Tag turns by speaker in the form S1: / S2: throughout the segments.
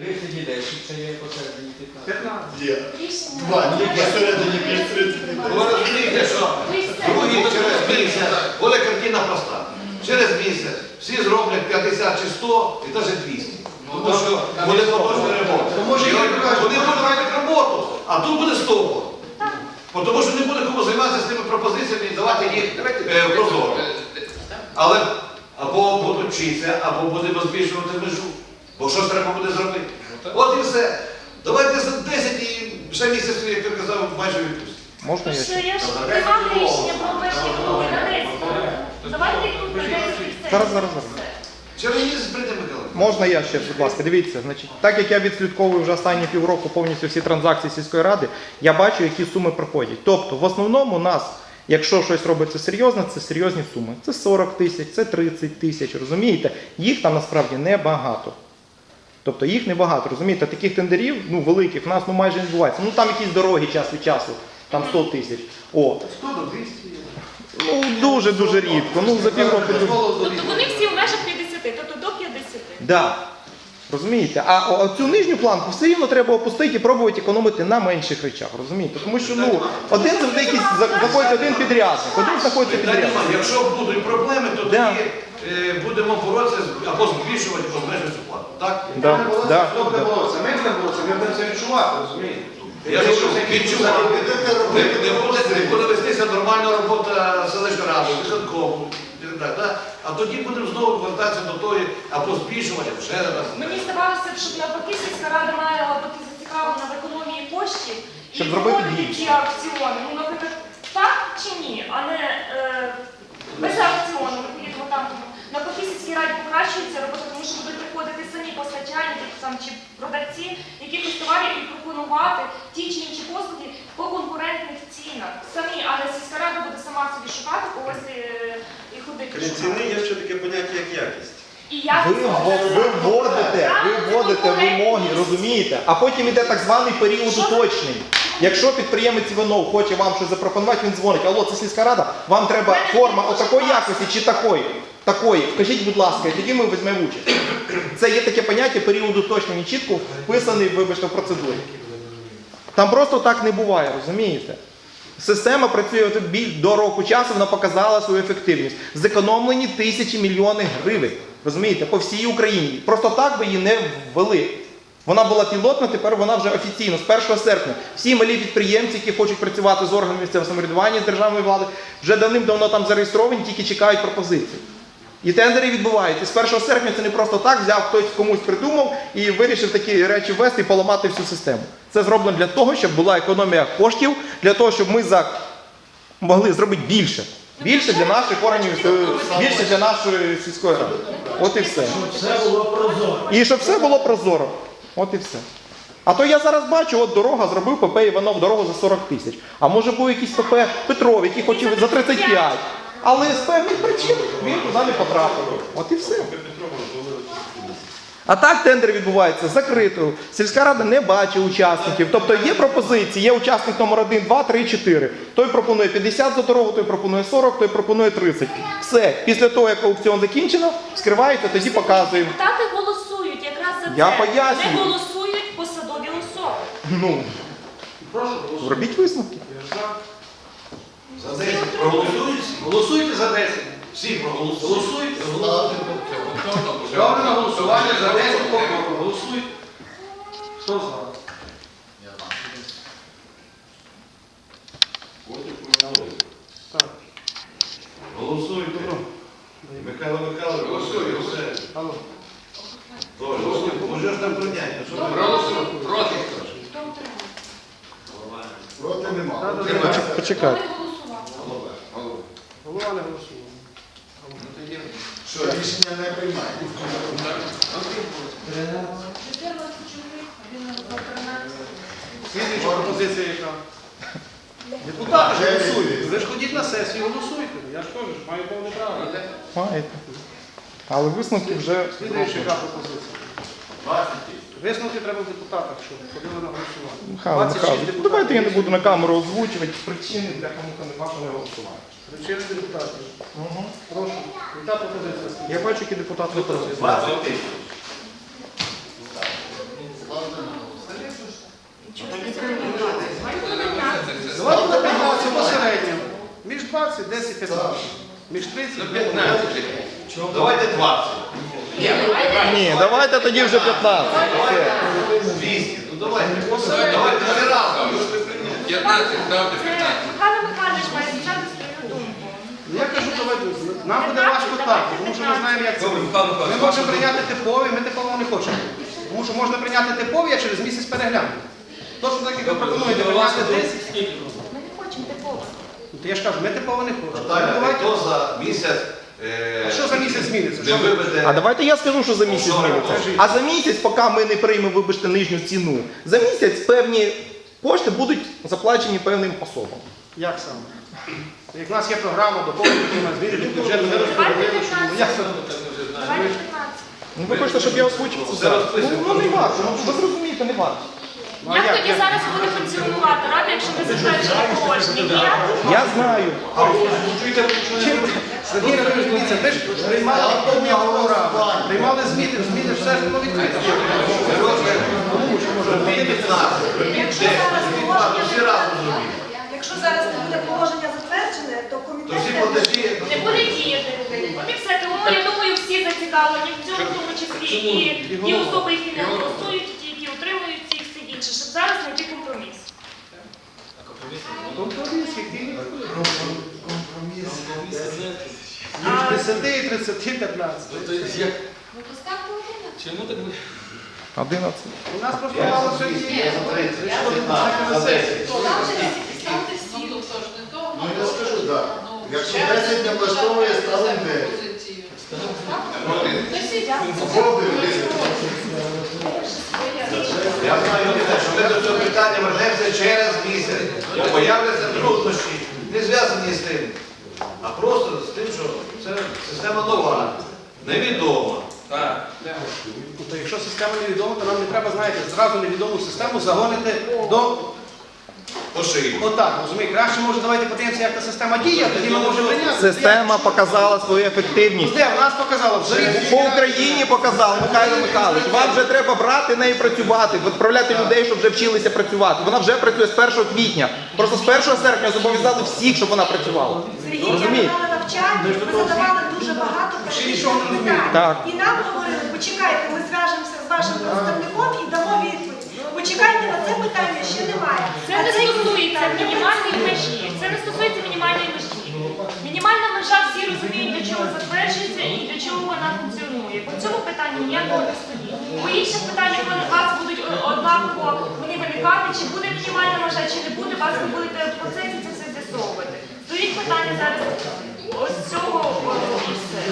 S1: 30 і 10, це є посередині 15.
S2: Є. Два, ні, посередині 30.
S3: Ви розумієте, що другий через місяць, буде картина проста. Через місяць всі зроблять 50 чи 100 і навіть 200. Тому що буде поточний ремонт. Вони будуть робити роботу, а тут буде стопор. Тому що не буде кому займатися з тими пропозиціями і давати їх прозоро. Але або будуть вчитися, або будемо збільшувати межу. Бо щось треба буде зробити. От і все. Давайте за 10 і ще місяць, як ти казав, майже відпустимо.
S4: Можна я ще?
S5: Я ж приймав рішення про обмеження круги на 10. Давайте їх тут на 10 і все.
S4: Зараз.
S3: Через місяць прийде Микола.
S4: Можна я ще, будь ласка, дивіться, значить, так як я відслідковую вже останні півроку повністю всі транзакції сільської ради, я бачу, які суми проходять. Тобто, в основному у нас, якщо щось робиться серйозно, це серйозні суми. Це 40 тисяч, це 30 тисяч, розумієте? Їх там насправді небагато. Тобто їх небагато, розумієте? Таких тендерів, великих, в нас майже не відбувається. Там якісь дороги час від часу, там 100 тисяч.
S3: 100 до 200.
S4: Дуже рідко. За півроку.
S5: Тобто вони всі в межах 50, тобто до 50.
S4: Да. Розумієте? А цю нижню планку все рівно треба опустити і пробувати економити на менших речах. Розумієте? Тому що один завжди якийсь знаходиться один підрядник, один знаходиться підрядник.
S3: Якщо будуть проблеми, то тоді будемо боротися або збільшувати, або зменшувати цю плату. Так?
S1: Хто буде боротися? Ми будемо боротися, ми будемо це відчувати, розумієте?
S3: Я відчуваю. Не буде вестися нормальна робота селищної ради, виконкому. А тоді будемо знову повертатися до тої, або збільшувати, або ще раз.
S5: Мені здавалося, щоб навпаки сільська рада має бути зацікавлена в економії коштів і
S4: Щоб зробити
S5: проводити
S4: більше.
S5: ті аукціони. Наприклад, так чи ні, а не без аукціону. Відповідно, там навпаки сільській раді покращується робота, тому що будуть приходити самі постачальники чи продавці якихось товарів і пропонувати ті чи інші послуги по конкурентних цінах. Самі, а не сільська рада буде сама собі шукати когось і ходити.
S2: Крім ціни є ще таке поняття, як якість.
S4: Ви вводите вимоги, розумієте? А потім йде так званий період уточнень. Якщо підприємець Іванов хоче вам щось запропонувати, він дзвонить: алло, це сільська рада, вам треба форма отакої якості чи такої? Такої. Вкажіть, будь ласка, і тоді ми візьмемо участь. Це є таке поняття період уточнень і чітко вписаний, вибачте, в процедурі. Там просто так не буває, розумієте? Система працює до року часу, вона показала свою ефективність. Зекономлені тисячі, мільйони гривень, розумієте, по всій Україні. Просто так би її не ввели. Вона була пілотна, тепер вона вже офіційно, з 1 серпня. Всі малі підприємці, які хочуть працювати з органами місцевого самоврядування, з державної влади, вже давним-давно там зареєстровані, тільки чекають пропозицій. І тендери відбуваються. З 1 серпня це не просто так, взяв хтось комусь придумав і вирішив такі речі ввести і поламати всю систему. Це зроблено для того, щоб була економія коштів, для того, щоб ми могли зробити більше. Більше для наших органів, більше для нашої сільської ради. От і все.
S1: Все було прозоро.
S4: І щоб все було прозоро. От і все. А то я зараз бачу, от дорога, зробив ПП Іванов дорогу за 40 тисяч. А може був якийсь ПП Петров, який хотів за 35. Але з певних причин він туди не потрапив. От і все. А так тендер відбувається закрито. Сільська рада не бачить учасників. Тобто є пропозиції, є учасник номер 1, 2, 3, 4. Той пропонує 50 за дорогу, той пропонує 40, той пропонує 30. Все. Після того, як аукціон закінчено, вскриваєте, тоді показуємо.
S5: Депутати голосують якраз за це.
S4: Я пояснюю.
S5: Не голосують посадові особи.
S1: Прошу,
S4: Робіть висновки.
S3: За 10 проголосують.
S1: голосуйте за 10.
S3: Всі проголосують.
S1: Голосуйте. Ставлю на голосування за 10 покроку. Голосуйте. Хто за? Так.
S3: Голосують. Михайло Михайлович, голосує. Все.
S1: Алло.
S3: Голосують. Може ж там прийняти.
S1: Проти.
S2: Проти нема.
S4: Почекайте.
S1: Голова не голосував.
S2: Що, рішення не приймає?
S5: 14 чоловік, один на 13.
S1: Слідуюча пропозиція яка? Депутати ж голосують. Ви ж ходіть на сесію, голосуйте. Я ж кажу, маю повне право.
S4: Маєте. Але висновки вже...
S1: Слідуюча яка пропозиція?
S3: 20.
S1: Висновки треба в депутатах, щоб ходили на голосування.
S4: Михайло
S1: 26
S4: Михайлович,
S1: депутатів.
S4: давайте я не буду на камеру озвучувати причини, для кому-то не бажано голосувати.
S1: Причини депутатів. Прошу. Яка пропозиція?
S4: Я бачу, які депутати не проти.
S3: 20 тисяч.
S1: 20, 10, 15. Між 30 і
S3: 15. Давайте 20.
S4: Ні, давайте тоді вже 15. Все.
S3: 200. Ну давайте. Давайте всі разом.
S6: 15, ставте 15.
S5: Михайло Михайлович має сказати свою думку.
S1: Я кажу, давайте, нам буде важко так, тому що ми знаємо, як це буде. Ми можемо прийняти типові, ми типового не хочемо. Тому що можна прийняти типові, а через місяць переглянути. Точно так, як ви пропонуєте, прийняти 10.
S5: Ми не хочемо типово.
S1: Ну, то я ж кажу, ми типово не хочемо. Ну,
S3: Наталя,
S1: давайте.
S3: хто за місяць
S1: А що за місяць зміниться?
S3: не
S1: Що ви-
S3: виведе?
S4: А давайте я скажу, що за місяць зміниться. А за місяць, поки ми не приймемо, вибачте, нижню ціну, за місяць певні кошти будуть заплачені певним особам.
S1: Як саме? Як в нас є програма, доповнення, зміни до бюджету, ми розподілили, що ну, як це?
S5: Давайте 15.
S4: Ну ви хочете, щоб я озвучив це
S3: Все
S4: зараз?
S3: розписуємо.
S4: Ну не варто, ну ви зрозумієте, не варто.
S1: Ну, а
S5: Як
S1: як?
S5: тоді зараз буде функціонувати рада, якщо ми затверджуємо положення? Ніяк?
S4: Я знаю.
S1: Сергій Ігорович, дивіться, ми ж приймали доповнення програму, приймали зміни, все ж воно відкрито. Тому що може
S3: Робіть
S1: бути
S3: 15, робіть 10, робіть 20, всі разом зробіть.
S7: Якщо зараз не буде положення затверджене, то
S3: То
S7: комітет
S3: всі
S7: не
S3: платежі,
S5: Не буде діяти. От і все. Тому я думаю, всі зацікавлені в цьому, в тому числі і ті особи, які не голосують, і ті, які утримують ці і все інше, щоб зараз знайти компроміс.
S1: компроміс, який між 10 і 30, 15.
S6: Чому так?
S4: 11.
S1: У нас просто мало сьогодні.
S3: 30, 15, за 10.
S2: Ну я скажу, так. Якщо 10 не влаштовує, ставимо 9.
S3: Я знаю, що ми до цього питання вернемося через місяць. Бо появляться труднощі, не зв'язані з тим, а просто з тим, що це система нова, невідома.
S6: Так.
S1: Ну, то якщо система невідома, то нам не треба, знаєте, зразу невідому систему загонити до
S3: По шиї.
S1: отак, розумієте? Краще, може, давайте подивимося, як та система діє, тоді ми можемо прийняти.
S4: Система показала свою ефективність.
S1: Де? В нас показала в зорі.
S4: По Україні показав Михайло Михайлович. Вам вже треба брати неї працювати, відправляти людей, щоб вже вчилися працювати. Вона вже працює з 1 квітня. Просто з 1 серпня зобов'язали всіх, щоб вона працювала.
S7: Сергій, я
S4: Розумієте?
S7: давала навчання, ми задавали дуже багато
S1: нічого не
S7: питань.
S4: Так.
S7: І нам говорили, почекайте, ми зв'яжемося з вашим представником і дамо відповідь. Почекайте, на це питання ще немає.
S5: Це не стосується мінімальної межі. Це не стосується мінімальної межі. Мінімальна межа всі розуміють, для чого затверджується і для чого вона функціонує. По цьому питанню ніякого не стоїть. По інших питаннях вони у вас будуть однаково вони виникати, чи буде мінімальна межа, чи не буде, вас ви будете в процесі це все з'ясовувати. Стоїть питання зараз ось цього і все.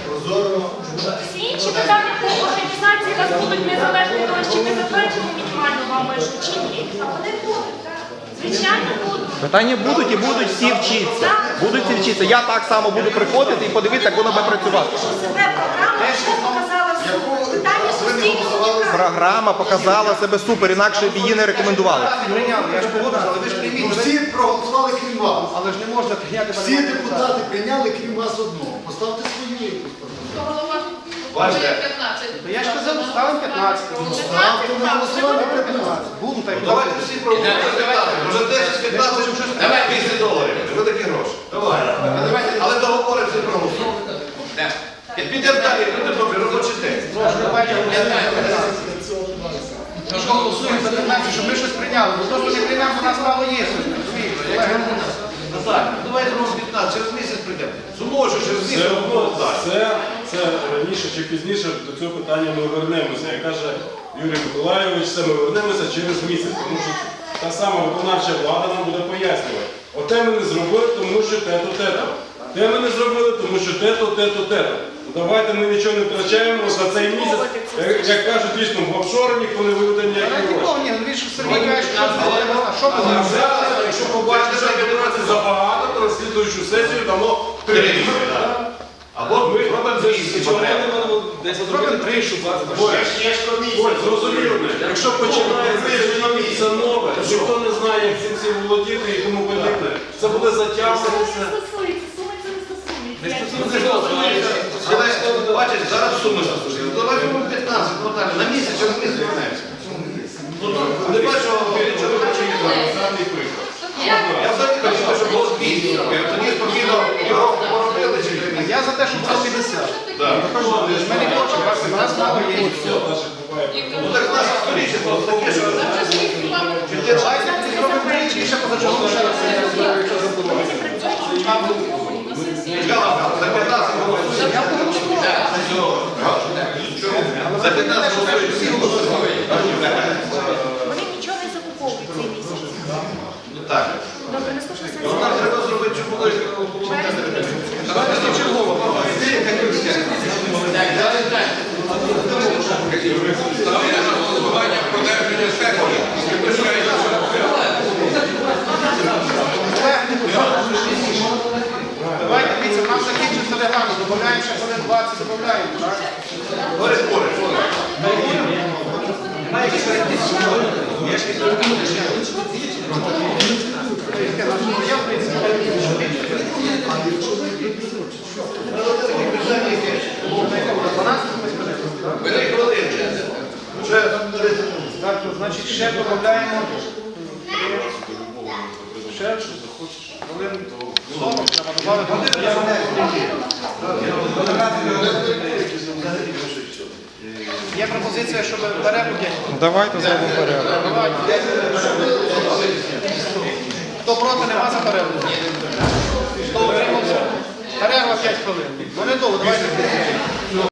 S5: Всі інші питання по організації у вас будуть незалежно від того, чи ми затверджуємо мінімальну вам межу, чи ні.
S7: А вони будуть, так?
S5: Звичайно, будуть.
S4: Питання будуть і будуть всі вчитися. Будуть всі вчитися. Я так само буду приходити і подивитися, як воно буде працювати.
S7: Себе програма вже показала суть. Питання суспільного.
S4: Програма показала себе супер, інакше б її не рекомендували.
S1: Прийняли, я ж погоджуюсь, але ви ж прийміть.
S2: Всі проголосували крім вас.
S1: Але ж не можна прийняти
S2: Всі депутати прийняли крім вас одного. Поставте свою якусь.
S3: Бачите,
S1: То я ж казав, ставимо 15.
S2: Ставте на голосування 15.
S1: Буду так.
S3: давайте всі проголосуємо. Може 10-15, 200 доларів. Ви такі гроші. Давай. Але договори всі проголосуємо. Підемо далі, підемо добре, робочий день.
S1: Прошу, давайте Ми ж голосуємо за 15, щоб ми щось прийняли. Бо то, що не приймемо, у нас мало є сьогодні. розумієте? Колеги,
S3: Наталя, ну давайте робимо 15, через місяць прийдемо. Зумово, що через
S8: Все
S3: місяць
S8: одно
S3: далі.
S8: це раніше чи пізніше до цього питання ми вернемося. Як каже Юрій Миколайович, це ми вернемося через місяць, тому що та сама виконавча влада нам буде пояснювати. Оте ми не зробили, тому що те-то, те-то. Те ми не зробили, тому що те-то, те-то, те-то. Давайте ми нічого не втрачаємо за цей місяць. Як кажуть, дійсно, в офшори ніхто не виведе ніякі гроші.
S1: нікого, ні, ну він ж Сергій каже, що що
S8: А
S1: буде?
S8: зараз, якщо побачите, що федерації забагато, то на слідуючу сесію дамо 3.
S3: Або ми робимо 200 потреб.
S1: Зробимо 3, щоб
S8: Ось, зрозуміло, якщо починається це нове, ніхто не знає, як цим всім володіти і тому подібне, це буде
S5: Це
S8: затягуватися.
S5: не стосується, суми це не стосується.
S3: Але бачиш, зараз суми заслужили. Давай робимо 15, Наталя, на місяць, через місяць вернемося. Не бачу, що
S8: Даний приклад.
S3: я взагалі хочу, щоб було 200. Тоді спокійно
S1: Ми не хочемо, у нас мало є.
S3: Ну так наше сторічество таке, що
S1: Давайте зробимо тричі, і ще позачергово ще раз якщо забудемо.
S3: за 15 голосуємо. За 15 голосуємо, всі голосують.
S5: Вони нічого не закуповують цей місяць.
S3: Так.
S5: Добре, наступна
S3: Ну,
S5: сесія.
S3: нам треба зробити, щоб було
S6: Ставлю на голосування продовження сесії.
S1: Давайте, дивіться, у нас закінчився регламент, додаємо ще хвилин 20, додаємо, так?
S3: Борис Борис.
S1: Я, в принципі,
S3: Бери хвилинки.
S1: вже так, то, значить, ще додаємо ще хвилин 40, треба додати. Є пропозиція, щоб перерву 5 хвилин.
S4: Давайте зробимо порядок.
S1: Давайте. Хто проти, нема за перерву. Хто утримався? Перерва 5 хвилин. Ну не довго, давайте.